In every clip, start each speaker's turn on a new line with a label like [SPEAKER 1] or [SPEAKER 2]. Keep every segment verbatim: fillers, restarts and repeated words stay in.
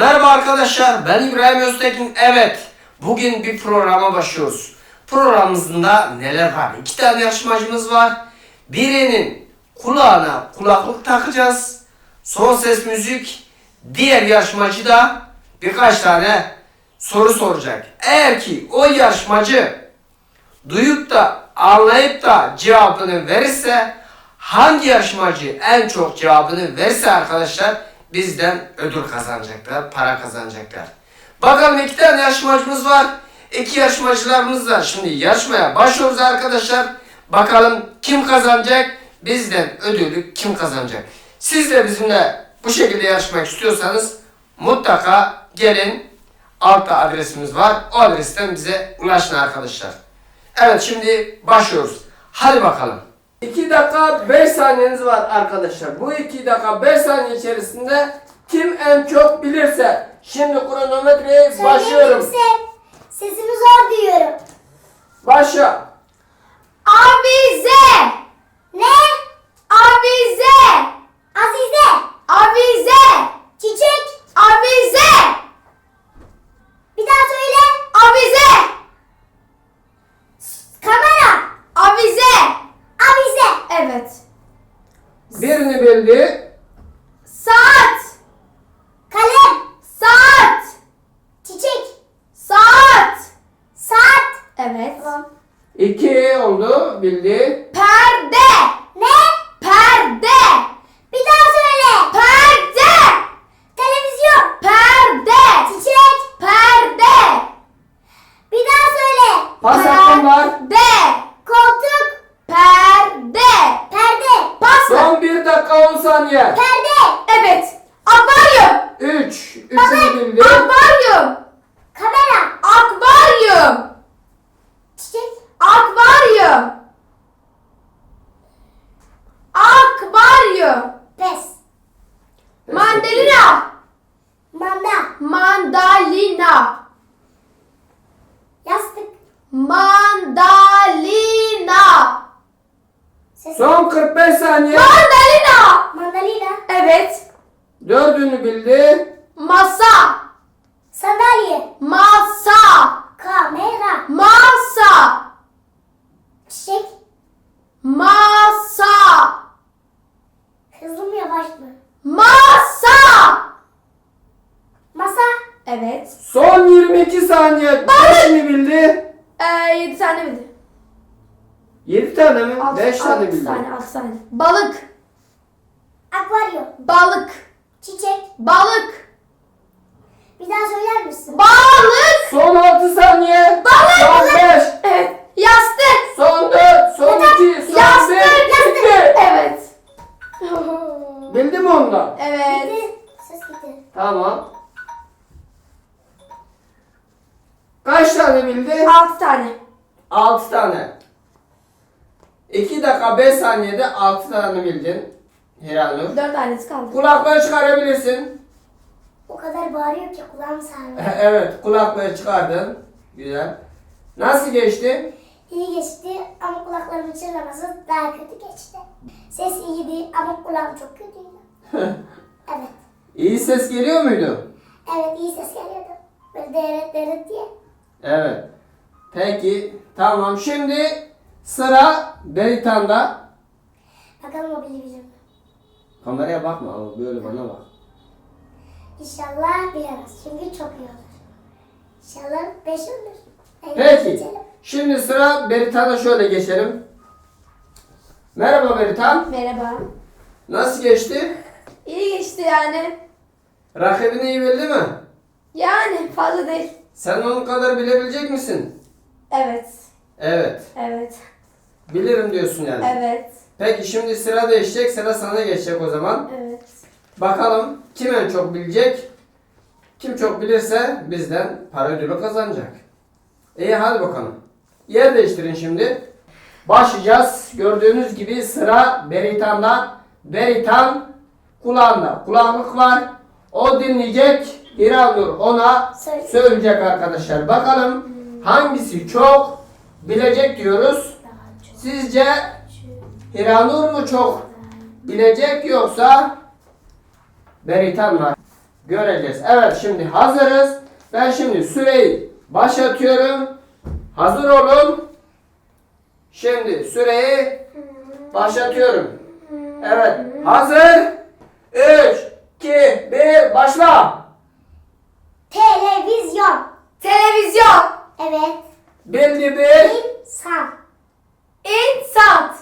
[SPEAKER 1] Merhaba arkadaşlar, ben İbrahim Öztekin. Evet, bugün bir programa başlıyoruz. Programımızda neler var? İki tane yarışmacımız var. Birinin kulağına kulaklık takacağız. Son ses müzik. Diğer yarışmacı da birkaç tane soru soracak. Eğer ki o yarışmacı duyup da anlayıp da cevabını verirse, hangi yarışmacı en çok cevabını verirse arkadaşlar bizden ödül kazanacaklar, para kazanacaklar. Bakalım, iki tane yarışmacımız var. İki yarışmacılarımız var. Şimdi yarışmaya başlıyoruz arkadaşlar. Bakalım kim kazanacak? Bizden ödülü kim kazanacak? Siz de bizimle bu şekilde yarışmak istiyorsanız mutlaka gelin. Altta adresimiz var. O adresten bize ulaşın arkadaşlar. Evet, şimdi başlıyoruz. Hadi bakalım. iki dakika beş saniyeniz var arkadaşlar. Bu iki dakika beş saniye içerisinde kim en çok bilirse. Şimdi kronometreye başlıyorum.
[SPEAKER 2] Söyleyeyim, sesimi zor duyuyorum.
[SPEAKER 1] Başla.
[SPEAKER 2] Avize. Ne? Avize. Azize. Avize. Çiçek. Avize. Bir daha söyle. Avize. Kamera. Avize. Avize. Evet.
[SPEAKER 1] Birini bildi.
[SPEAKER 2] Saat. Kalem. Saat. Çiçek. Saat. Saat. Evet. Tamam.
[SPEAKER 1] İki oldu. Bildi.
[SPEAKER 2] Perde. Ne? Perde. Bir daha söyle. Perde. Televizyon. Perde. Çiçek. Perde. Bir daha söyle.
[SPEAKER 1] Pas hakkın var.
[SPEAKER 2] Perde. Koltuk. Perde. Perde. Pas.
[SPEAKER 1] Son bir dakika on saniye.
[SPEAKER 2] Perde. Evet. Akvaryum.
[SPEAKER 1] Üç. Üçünü bildi.
[SPEAKER 2] Akvaryum. Kamera. Akvaryum. Çiçek. Akvaryum. Akvaryum. Pes. Mandalina. Manda. Mandalina. Yastık. Mandalina. Ses.
[SPEAKER 1] Son kırk beş saniye.
[SPEAKER 2] Mandalina. Mandalina. Evet.
[SPEAKER 1] Dördünü bildi.
[SPEAKER 2] Masa. Sandalye. Masa. Kamera. Masa. Çiçek. Masa. Hızlı mı yavaş mı? Masa. Masa. Evet.
[SPEAKER 1] Son yirmi iki saniye. Beşini bildi.
[SPEAKER 2] Ee, yedi tane miydi?
[SPEAKER 1] Yedi tane mi?
[SPEAKER 2] Altı-
[SPEAKER 1] Beş tane
[SPEAKER 2] altı
[SPEAKER 1] bildi.
[SPEAKER 2] tane, altı tane. Balık. Akvaryum. Balık. Çiçek. Balık. Bir daha söyler misin? Balık.
[SPEAKER 1] Son altı saniye.
[SPEAKER 2] Balık.
[SPEAKER 1] Son beş.
[SPEAKER 2] Evet. Yastık.
[SPEAKER 1] Son dört. Son iki. Son
[SPEAKER 2] Yastık.
[SPEAKER 1] bir.
[SPEAKER 2] Yastık.
[SPEAKER 1] Bitti.
[SPEAKER 2] Evet.
[SPEAKER 1] Bildi mi ondan?
[SPEAKER 2] Evet. Ses gitti.
[SPEAKER 1] Tamam. Kaç tane bildi?
[SPEAKER 2] Altı tane.
[SPEAKER 1] Altı tane. iki dakika beş saniyede altı tane bildin. Hiranur.
[SPEAKER 2] Dört tanesi kaldı.
[SPEAKER 1] Kulaklığı çıkarabilirsin.
[SPEAKER 2] O kadar bağırıyor ki kulağım sarmıyor.
[SPEAKER 1] Evet, kulaklığı çıkardın. Güzel. Nasıl geçti?
[SPEAKER 2] İyi geçti ama kulaklarımın çınlaması daha kötü geçti. Ses iyiydi ama kulağım çok kötüydü. Evet.
[SPEAKER 1] İyi ses geliyor muydu?
[SPEAKER 2] Evet, iyi ses geliyordu. Böyle deret deret diye.
[SPEAKER 1] Evet. Peki, tamam. Şimdi sıra Beritan'da.
[SPEAKER 2] Bakalım o bilebilir mi?
[SPEAKER 1] Kameraya bakma ama böyle bana bak.
[SPEAKER 2] İnşallah bilemez. Çünkü çok iyi olur. İnşallah beş olur. Evet,
[SPEAKER 1] Peki.
[SPEAKER 2] geçelim.
[SPEAKER 1] Şimdi sıra Beritan'a, şöyle geçelim. Merhaba Beritan.
[SPEAKER 2] Merhaba.
[SPEAKER 1] Nasıl geçti?
[SPEAKER 2] İyi geçti yani.
[SPEAKER 1] Rakibini iyi bildi mi?
[SPEAKER 2] Yani fazla değil.
[SPEAKER 1] Sen onun kadar bilebilecek misin?
[SPEAKER 2] Evet.
[SPEAKER 1] Evet.
[SPEAKER 2] Evet.
[SPEAKER 1] Bilirim diyorsun yani.
[SPEAKER 2] Evet.
[SPEAKER 1] Peki şimdi sıra değişecek. Sıra sana geçecek o zaman.
[SPEAKER 2] Evet.
[SPEAKER 1] Bakalım kim en çok bilecek? Kim çok bilirse bizden para ödülü kazanacak. İyi, hadi bakalım. Yer değiştirin şimdi. Başlayacağız. Gördüğünüz gibi sıra Beritan'da. Beritan kulağında kulaklık var. O dinleyecek. İranur ona
[SPEAKER 2] Söyle.
[SPEAKER 1] söyleyecek arkadaşlar. Bakalım hangisi çok bilecek diyoruz. Sizce İranur mu çok bilecek yoksa Beritan mı? göreceğiz. Evet, şimdi hazırız. Ben şimdi süreyi başlatıyorum. Hazır olun. Şimdi süreyi başlatıyorum. Evet, hazır. üç, iki, bir, başla.
[SPEAKER 2] Televizyon.
[SPEAKER 3] Televizyon.
[SPEAKER 2] Evet.
[SPEAKER 1] Bildi bir.
[SPEAKER 2] İnsan.
[SPEAKER 3] İnsan.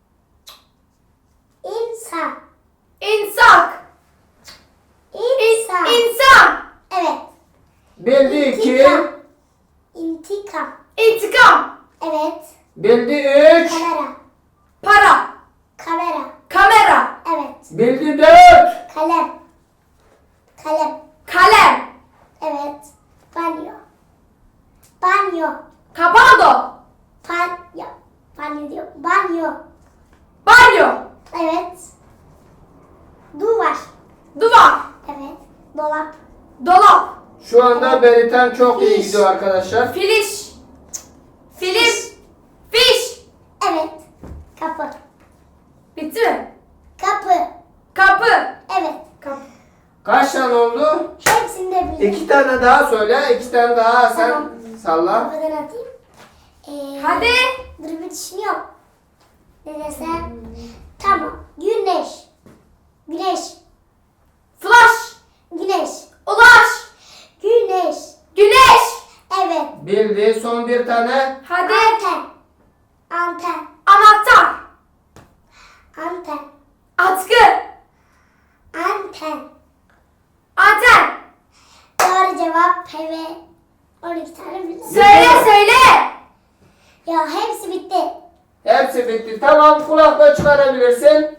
[SPEAKER 2] İnsan.
[SPEAKER 3] İnsan.
[SPEAKER 2] İnsan.
[SPEAKER 3] İnsan.
[SPEAKER 2] Evet.
[SPEAKER 1] Bildi iki.
[SPEAKER 2] İntikam. İntikam.
[SPEAKER 3] İntikam.
[SPEAKER 2] Evet.
[SPEAKER 1] Bildi üç.
[SPEAKER 2] Kamera.
[SPEAKER 3] Para.
[SPEAKER 2] Kamera.
[SPEAKER 3] Kamera.
[SPEAKER 2] Evet.
[SPEAKER 1] Bildi dört.
[SPEAKER 2] Kalem. Kalem.
[SPEAKER 3] Kalem.
[SPEAKER 2] Evet. Banyo. Banyo.
[SPEAKER 3] Kapango.
[SPEAKER 2] Banyo. Banyo diyor. Banyo.
[SPEAKER 3] Banyo.
[SPEAKER 2] Evet. Duvar.
[SPEAKER 3] Duvar.
[SPEAKER 2] Evet. Dolap.
[SPEAKER 3] Dolap.
[SPEAKER 1] Şu anda Beritan çok iyi
[SPEAKER 2] Fiş.
[SPEAKER 1] gidiyor arkadaşlar.
[SPEAKER 3] Filiş. Film. Fiş.
[SPEAKER 2] Evet. Kapı.
[SPEAKER 3] Bitti mi?
[SPEAKER 2] Kapı.
[SPEAKER 3] Kapı.
[SPEAKER 2] Evet.
[SPEAKER 3] Kapı.
[SPEAKER 1] Kaç tane oldu?
[SPEAKER 2] Hepsini de biliyorum.
[SPEAKER 1] İki tane daha söyle. iki tane daha sen
[SPEAKER 2] Tamam.
[SPEAKER 1] salla.
[SPEAKER 2] Kapıdan atayım. Ee,
[SPEAKER 3] Hadi.
[SPEAKER 2] Dur bir düşünüyorum. Ne desem? Tamam. Güneş. Güneş.
[SPEAKER 3] Flash.
[SPEAKER 2] Güneş.
[SPEAKER 3] Ulaş.
[SPEAKER 2] Güneş.
[SPEAKER 3] Güneş.
[SPEAKER 2] Evet.
[SPEAKER 1] Bildi. Son bir tane.
[SPEAKER 3] Hadi.
[SPEAKER 2] Anten. Anten.
[SPEAKER 3] Anahtar.
[SPEAKER 2] Anten.
[SPEAKER 3] Atkı.
[SPEAKER 2] Anten.
[SPEAKER 3] Anten.
[SPEAKER 2] Doğru cevap P ve on iki tane bildim.
[SPEAKER 3] Söyle söyle.
[SPEAKER 2] Ya hepsi bitti.
[SPEAKER 1] Hepsi bitti. Tamam, kulaklığı çıkarabilirsin.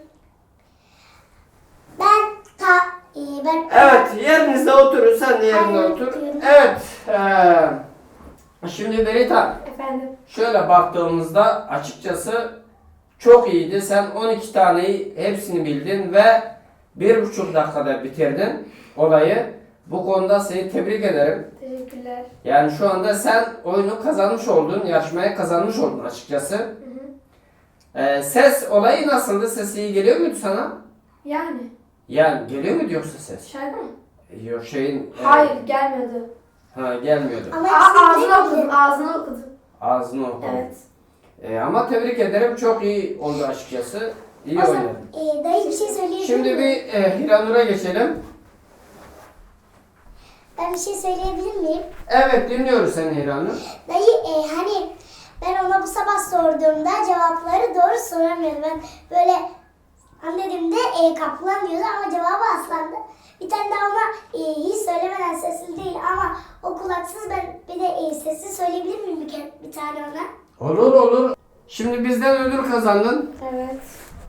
[SPEAKER 2] Ben ta e, ben
[SPEAKER 1] Evet, yerinizde oturun. Sen de yerine
[SPEAKER 2] Aynen,
[SPEAKER 1] otur.
[SPEAKER 2] oturuyorum.
[SPEAKER 1] Evet. eee, şimdi Beritan,
[SPEAKER 3] Efendim.
[SPEAKER 1] şöyle baktığımızda açıkçası çok iyiydi. Sen on iki taneyi hepsini bildin ve bir buçuk dakikada bitirdin olayı. Bu konuda seni tebrik ederim.
[SPEAKER 3] Teşekkürler.
[SPEAKER 1] Yani şu anda sen oyunu kazanmış oldun, yarışmaya kazanmış oldun açıkçası.
[SPEAKER 3] Hı hı.
[SPEAKER 1] Ee, ses olayı nasıldı? Ses iyi geliyor muydu sana?
[SPEAKER 3] Yani.
[SPEAKER 1] Yani geliyor muydu yoksa ses?
[SPEAKER 3] Şarkı mı?
[SPEAKER 1] Yok şeyin... e,
[SPEAKER 3] Hayır gelmiyordu.
[SPEAKER 1] Ha, gelmiyordu.
[SPEAKER 2] ama
[SPEAKER 3] Aa,
[SPEAKER 2] hepsini
[SPEAKER 3] ağzını
[SPEAKER 2] bildim.
[SPEAKER 3] okudum. Ağzını okudum.
[SPEAKER 1] Ağzını okudun.
[SPEAKER 3] Evet.
[SPEAKER 1] Ee, ama tebrik ederim. Çok iyi oldu açıkçası. İyi
[SPEAKER 2] O zaman
[SPEAKER 1] oynadın.
[SPEAKER 2] e, dayı bir şey söyleyebilir
[SPEAKER 1] Şimdi
[SPEAKER 2] miyim?
[SPEAKER 1] bir e, Hiranur'a geçelim.
[SPEAKER 2] Ben bir şey söyleyebilir miyim?
[SPEAKER 1] Evet, dinliyoruz seni Hiranur.
[SPEAKER 2] Dayı e, hani ben ona bu sabah sorduğumda cevapları doğru soramıyordu. Ben böyle anladığımda e, kaplan diyordu ama cevabı aslandı. Bir tane daha ona e, hiç söylemeden sesli değil ama o kulaksız, ben bir de e, sesli söyleyebilir miyim bir, kere, bir tane ona?
[SPEAKER 1] Olur olur. Şimdi bizden ödül kazandın.
[SPEAKER 3] Evet.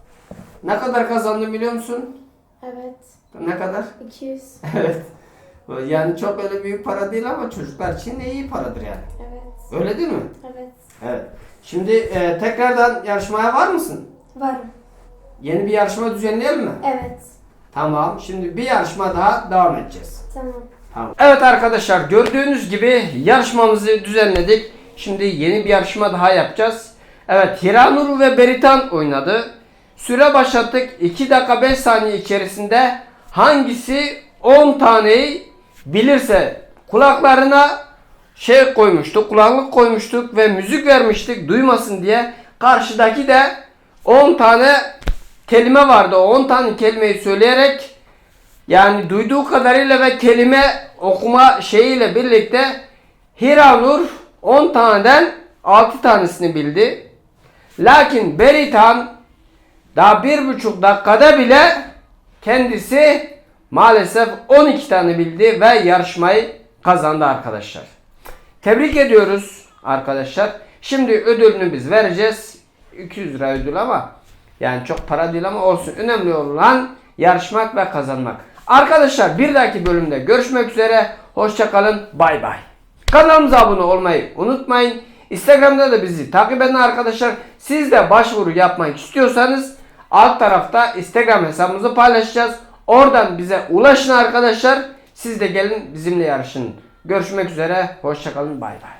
[SPEAKER 1] Ne kadar kazandın biliyor musun?
[SPEAKER 3] Evet.
[SPEAKER 1] Ne kadar?
[SPEAKER 3] iki yüz.
[SPEAKER 1] Evet. Yani çok öyle büyük para değil ama çocuklar için de iyi paradır yani.
[SPEAKER 3] Evet.
[SPEAKER 1] Öyle değil mi?
[SPEAKER 3] Evet.
[SPEAKER 1] Evet. Şimdi e, tekrardan yarışmaya var mısın?
[SPEAKER 3] Varım.
[SPEAKER 1] Yeni bir yarışma düzenleyelim mi?
[SPEAKER 3] Evet.
[SPEAKER 1] Tamam. Şimdi bir yarışma daha devam edeceğiz.
[SPEAKER 3] Tamam.
[SPEAKER 1] Tamam. Evet arkadaşlar, gördüğünüz gibi yarışmamızı düzenledik. Şimdi yeni bir yarışma daha yapacağız. Evet, Hiranur ve Beritan oynadı. Süre başlattık. iki dakika beş saniye içerisinde hangisi on taneyi bilirse kulaklarına şey koymuştuk, kulaklık koymuştuk ve müzik vermiştik duymasın diye. Karşıdaki de on tane kelime vardı. O on tane kelimeyi söyleyerek, yani duyduğu kadarıyla ve kelime okuma şeyiyle birlikte Hiranur on taneden altı tanesini bildi. Lakin Beritan daha bir buçuk dakikada bile kendisi maalesef on iki tane bildi ve yarışmayı kazandı arkadaşlar. Tebrik ediyoruz arkadaşlar. Şimdi ödülünü biz vereceğiz. iki yüz lira ödül ama yani çok para değil ama olsun. Önemli olan yarışmak ve kazanmak. Arkadaşlar bir dahaki bölümde görüşmek üzere. Hoşça kalın. Bay bay. Kanalımıza abone olmayı unutmayın. Instagram'da da bizi takip edin arkadaşlar. Siz de başvuru yapmak istiyorsanız alt tarafta Instagram hesabımızı paylaşacağız. Oradan bize ulaşın arkadaşlar. Siz de gelin bizimle yarışın. Görüşmek üzere. Hoşça kalın. Bay bay.